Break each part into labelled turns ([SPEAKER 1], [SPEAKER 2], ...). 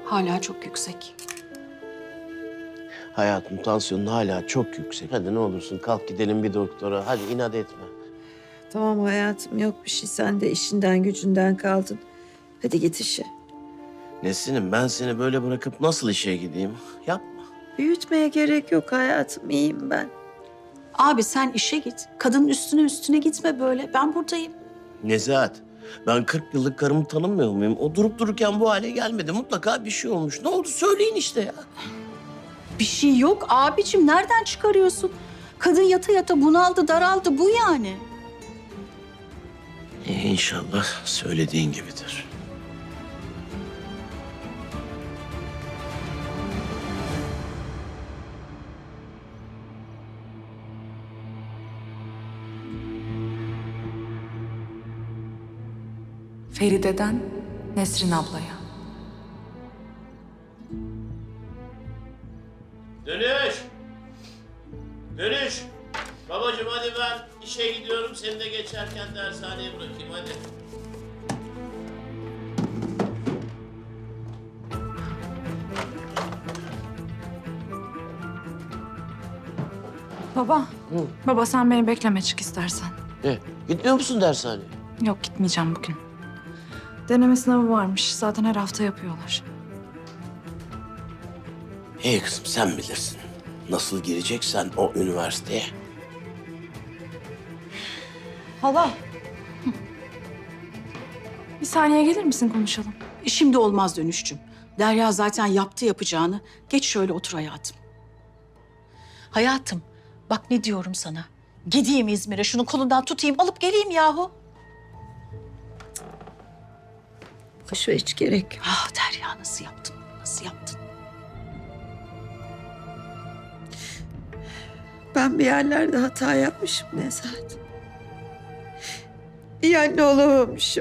[SPEAKER 1] Hala çok yüksek.
[SPEAKER 2] Hayatım tansiyonun hala çok yüksek. Hadi ne olursun kalk gidelim bir doktora. Hadi inat etme.
[SPEAKER 3] Tamam hayatım, yok bir şey. Sen de işinden gücünden kaldın. Hadi git işe.
[SPEAKER 2] Nesrin'im ben seni böyle bırakıp nasıl işe gideyim? Yapma.
[SPEAKER 3] Büyütmeye gerek yok hayatım. İyiyim ben.
[SPEAKER 1] Abi sen işe git. Kadının üstüne gitme böyle. Ben buradayım.
[SPEAKER 2] Nezahat, ben 40 yıllık karımı tanımıyor muyum? O durup dururken bu hale gelmedi. Mutlaka bir şey olmuş. Ne oldu söyleyin işte ya.
[SPEAKER 1] Bir şey yok abicim. Nereden çıkarıyorsun? Kadın yata yata bunaldı, daraldı. Bu yani.
[SPEAKER 2] İnşallah söylediğin gibidir.
[SPEAKER 4] Feride'den Nesrin ablaya.
[SPEAKER 2] Dönüş! Dönüş! Babacığım hadi ben işe gidiyorum. Seni de geçerken dershaneye bırakayım hadi.
[SPEAKER 4] Baba, baba sen beni bekleme çık istersen.
[SPEAKER 2] Ne? Gitmiyor musun dershaneye?
[SPEAKER 4] Yok gitmeyeceğim bugün. Deneme sınavı varmış. Zaten her hafta yapıyorlar.
[SPEAKER 2] İyi kızım sen bilirsin. Nasıl gireceksen o üniversiteye.
[SPEAKER 4] Hala. Bir saniye gelir misin konuşalım?
[SPEAKER 1] Şimdi olmaz Dönüşçüm. Derya zaten yaptı yapacağını. Geç şöyle otur hayatım. Hayatım, bak ne diyorum sana. Gideyim İzmir'e, şunu kolundan tutayım, alıp geleyim yahu.
[SPEAKER 3] Boş ver, hiç gerek yok.
[SPEAKER 1] Ah Derya nasıl yaptın, nasıl yaptın?
[SPEAKER 3] Ben bir yerlerde hata yapmışım Nezahat. İyi anne olamamışım.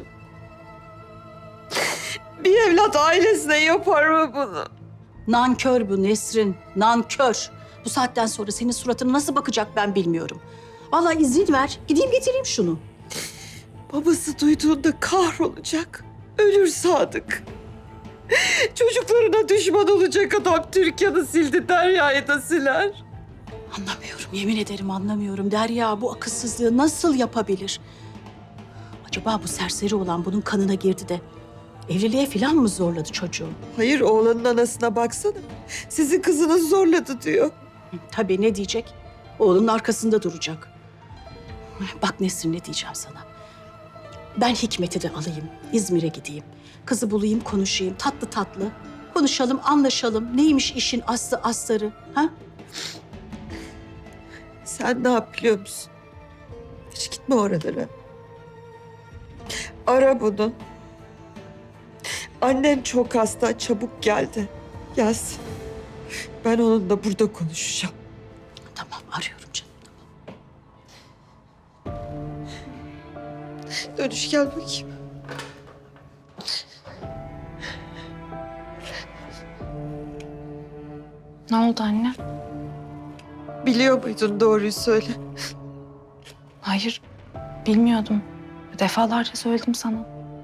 [SPEAKER 3] Bir evlat ailesine yapar mı bunu?
[SPEAKER 1] Nankör bu Nesrin, nankör. Bu saatten sonra senin suratına nasıl bakacak ben bilmiyorum. Vallahi izin ver, gideyim getireyim şunu.
[SPEAKER 3] Babası duyduğunda kahrolacak. Ölür Sadık. Çocuklarına düşman olacak adam Türkan'ı sildi, Derya'yı da siler.
[SPEAKER 1] Anlamıyorum, yemin ederim anlamıyorum. Derya bu akılsızlığı nasıl yapabilir? Acaba bu serseri olan bunun kanına girdi de evliliğe falan mı zorladı çocuğu?
[SPEAKER 3] Hayır, oğlanın anasına baksana. Sizin kızınız zorladı diyor.
[SPEAKER 1] Tabii ne diyecek? Oğlunun arkasında duracak. Bak Nesrin ne diyeceğim sana. Ben Hikmet'i de alayım, İzmir'e gideyim. Kızı bulayım, konuşayım, tatlı tatlı. Konuşalım, anlaşalım. Neymiş işin aslı astarı, ha?
[SPEAKER 3] Sen ne yap biliyor musun? Hiç gitme oralara. Ara bunu. Annen çok hasta, çabuk geldi. Gelsin. Ben onunla burada konuşacağım.
[SPEAKER 1] Tamam, arıyorum canım.
[SPEAKER 3] Dönüş gel bakayım.
[SPEAKER 4] Ne oldu anne?
[SPEAKER 3] Biliyor muydun, doğruyu söyle.
[SPEAKER 4] Hayır, bilmiyordum. Defalarca söyledim sana.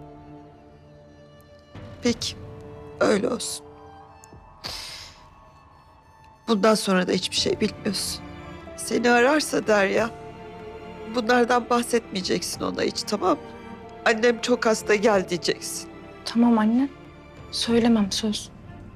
[SPEAKER 3] Peki, öyle olsun. Bundan sonra da hiçbir şey bilmiyorsun. Seni ararsa Derya, bunlardan bahsetmeyeceksin ona hiç, tamam mı? Annem çok hasta, gel diyeceksin.
[SPEAKER 4] Tamam anne. Söylemem söz.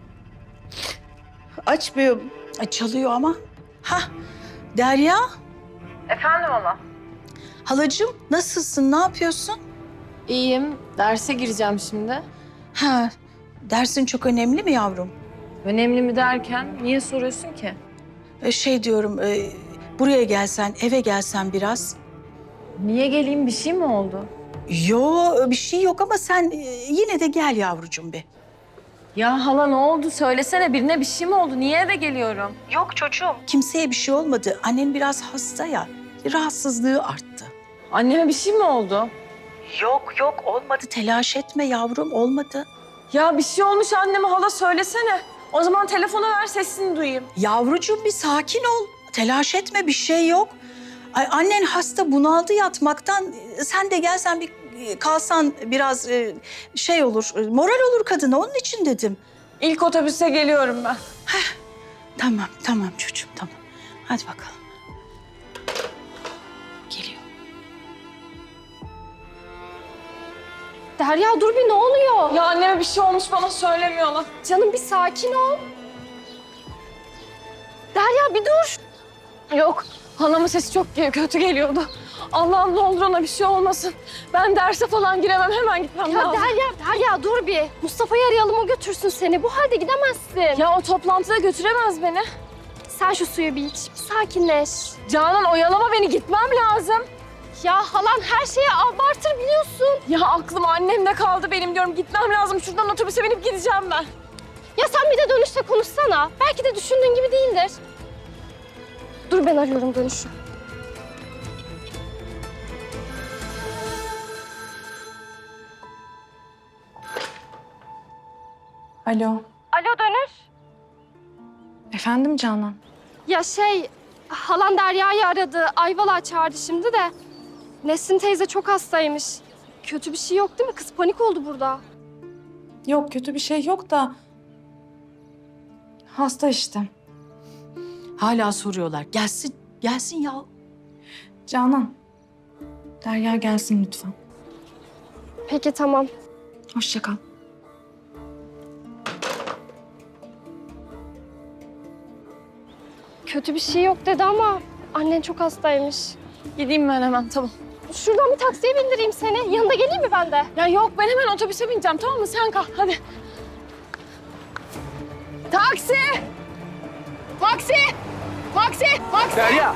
[SPEAKER 3] Açmıyor mu?
[SPEAKER 1] Ay, çalıyor ama. Hah, Derya.
[SPEAKER 5] Efendim hala?
[SPEAKER 1] Halacığım, nasılsın, ne yapıyorsun?
[SPEAKER 5] İyiyim. Derse gireceğim şimdi.
[SPEAKER 1] Ha, dersin çok önemli mi yavrum?
[SPEAKER 5] Önemli mi derken niye soruyorsun ki?
[SPEAKER 1] Şey diyorum, buraya gelsen, eve gelsen biraz.
[SPEAKER 5] Niye geleyim? Bir şey mi oldu?
[SPEAKER 1] Yo, bir şey yok ama sen yine de gel yavrucuğum bir.
[SPEAKER 5] Ya hala ne oldu? Söylesene, birine bir şey mi oldu? Niye eve geliyorum?
[SPEAKER 1] Yok çocuğum. Kimseye bir şey olmadı. Annen biraz hasta ya, rahatsızlığı arttı.
[SPEAKER 5] Anneme bir şey mi oldu?
[SPEAKER 1] Yok olmadı. Telaş etme yavrum, olmadı.
[SPEAKER 5] Ya bir şey olmuş anneme, hala söylesene. O zaman telefonu ver, sesini duyayım.
[SPEAKER 1] Yavrucuğum bir sakin ol. Telaş etme, bir şey yok. Ay, annen hasta, bunaldı yatmaktan. Sen de gelsen bir kalsan biraz şey olur, moral olur kadına. Onun için dedim.
[SPEAKER 5] İlk otobüse geliyorum ben.
[SPEAKER 1] Tamam, tamam çocuğum, tamam. Hadi bakalım. Geliyor.
[SPEAKER 6] Derya dur bir ne oluyor?
[SPEAKER 5] Ya anneme bir şey olmuş bana söylemiyorlar.
[SPEAKER 6] Canım bir sakin ol. Derya bir dur.
[SPEAKER 5] Yok, halamın sesi çok kötü geliyordu. Allah'ım ne olur ona bir şey olmasın. Ben derse falan giremem, hemen gitmem
[SPEAKER 6] Ya
[SPEAKER 5] lazım.
[SPEAKER 6] Derya dur bir. Mustafa'yı arayalım o götürsün seni. Bu halde gidemezsin.
[SPEAKER 5] Ya o toplantıda götüremez beni.
[SPEAKER 6] Sen şu suyu bir iç. Bir sakinleş.
[SPEAKER 5] Canan oyalama beni, gitmem lazım.
[SPEAKER 6] Ya halan her şeyi abartır biliyorsun.
[SPEAKER 5] Ya aklım annemde kaldı benim diyorum. Gitmem lazım. Şuradan otobüse binip gideceğim ben.
[SPEAKER 6] Ya sen bir de dönüşte konuşsana. Belki de düşündüğün gibi değildir. Dur ben arıyorum dönüşü.
[SPEAKER 4] Alo.
[SPEAKER 6] Alo dönüş.
[SPEAKER 4] Efendim Canan?
[SPEAKER 6] Ya halan Derya'yı aradı. Ayvalık'a çağırdı şimdi de. Nesrin teyze çok hastaymış. Kötü bir şey yok değil mi? Kız panik oldu burada.
[SPEAKER 4] Yok kötü bir şey yok da... Hasta işte.
[SPEAKER 1] Hala soruyorlar. Gelsin, gelsin ya.
[SPEAKER 4] Canan. Derya gelsin lütfen.
[SPEAKER 6] Peki tamam.
[SPEAKER 4] Hoşça kal.
[SPEAKER 6] Kötü bir şey yok dedi ama annen çok hastaymış.
[SPEAKER 5] Gideyim ben hemen, tamam.
[SPEAKER 6] Şuradan bir taksiye bindireyim seni. Yanında geleyim mi ben de?
[SPEAKER 5] Ya yok, ben hemen otobüse bineceğim, tamam mı? Sen kalk, hadi. Taksi! Taksi! Taksi! Taksi!
[SPEAKER 7] Derya!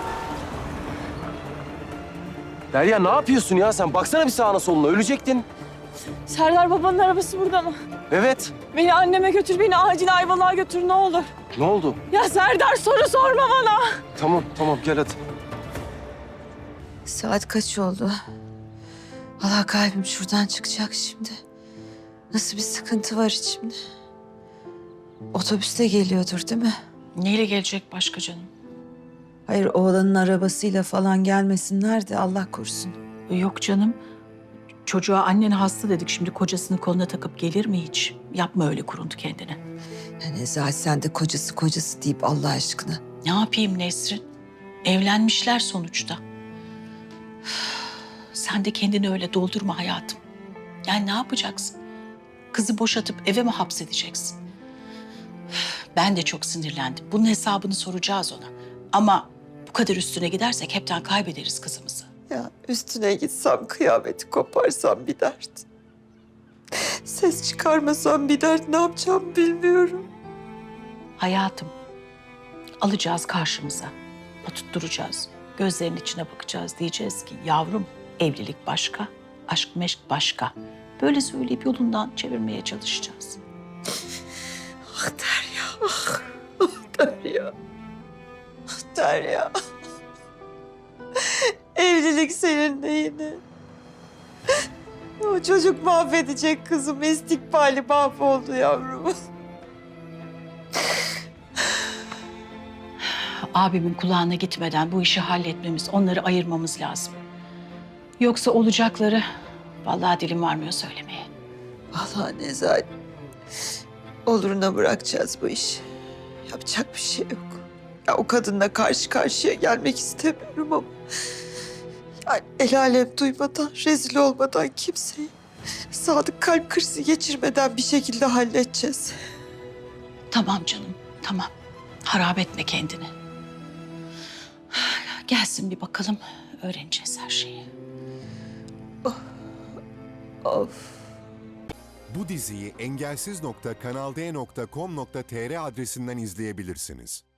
[SPEAKER 7] Derya ne yapıyorsun ya sen? Baksana bir sağına soluna, ölecektin.
[SPEAKER 5] Serdar babanın arabası burada mı?
[SPEAKER 7] Evet.
[SPEAKER 5] Beni anneme götür, beni acil Ayvalık'a götür ne olur.
[SPEAKER 7] Ne oldu?
[SPEAKER 5] Ya Serdar soru sorma bana.
[SPEAKER 7] Tamam, tamam gel hadi.
[SPEAKER 3] Saat kaç oldu? Allah kalbim şuradan çıkacak şimdi. Nasıl bir sıkıntı var içimde? Otobüste geliyordur değil mi?
[SPEAKER 1] Neyle gelecek başka canım?
[SPEAKER 3] Hayır oğlanın arabasıyla falan gelmesinler de Allah korusun.
[SPEAKER 1] Yok canım. Çocuğa annen hasta dedik. Şimdi kocasını koluna takıp gelir mi hiç? Yapma öyle kuruntu kendine.
[SPEAKER 3] Ya Nezahat sen de kocası deyip Allah aşkına.
[SPEAKER 1] Ne yapayım Nesrin? Evlenmişler sonuçta. Sen de kendini öyle doldurma hayatım. Yani ne yapacaksın? Kızı boşatıp eve mi hapsedeceksin? Ben de çok sinirlendim. Bunun hesabını soracağız ona. Ama bu kadar üstüne gidersek hepten kaybederiz kızımızı.
[SPEAKER 3] Ya üstüne gitsem kıyameti koparsam bir dert. Ses çıkarmasam bir dert, ne yapacağımı bilmiyorum.
[SPEAKER 1] Hayatım, alacağız karşımıza. Tutturacağız. Gözlerinin içine bakacağız. Diyeceğiz ki yavrum evlilik başka, aşk meşk başka. Böyle söyleyip yolundan çevirmeye çalışacağız.
[SPEAKER 3] Ah Derya, ah, ah Derya. Ah Derya. Evlilik senin neyine? O çocuk mahvedecek kızım. İstikbali mahvoldu yavrum.
[SPEAKER 1] Abimin kulağına gitmeden bu işi halletmemiz, onları ayırmamız lazım. Yoksa olacakları vallahi dilim varmıyor söylemeye.
[SPEAKER 3] Vallahi Nezahat. Oluruna bırakacağız bu işi. Yapacak bir şey yok. Ya o kadınla karşı karşıya gelmek istemiyorum ama... Yani el alem duymadan, rezil olmadan kimseyi... Sadık kalp krizi geçirmeden bir şekilde halledeceğiz.
[SPEAKER 1] Tamam canım, tamam. Harap etme kendini. Gelsin bir bakalım, öğreneceğiz her şeyi.
[SPEAKER 3] Of.
[SPEAKER 8] Bu diziyi engelsiz.kanalde.com.tr adresinden izleyebilirsiniz.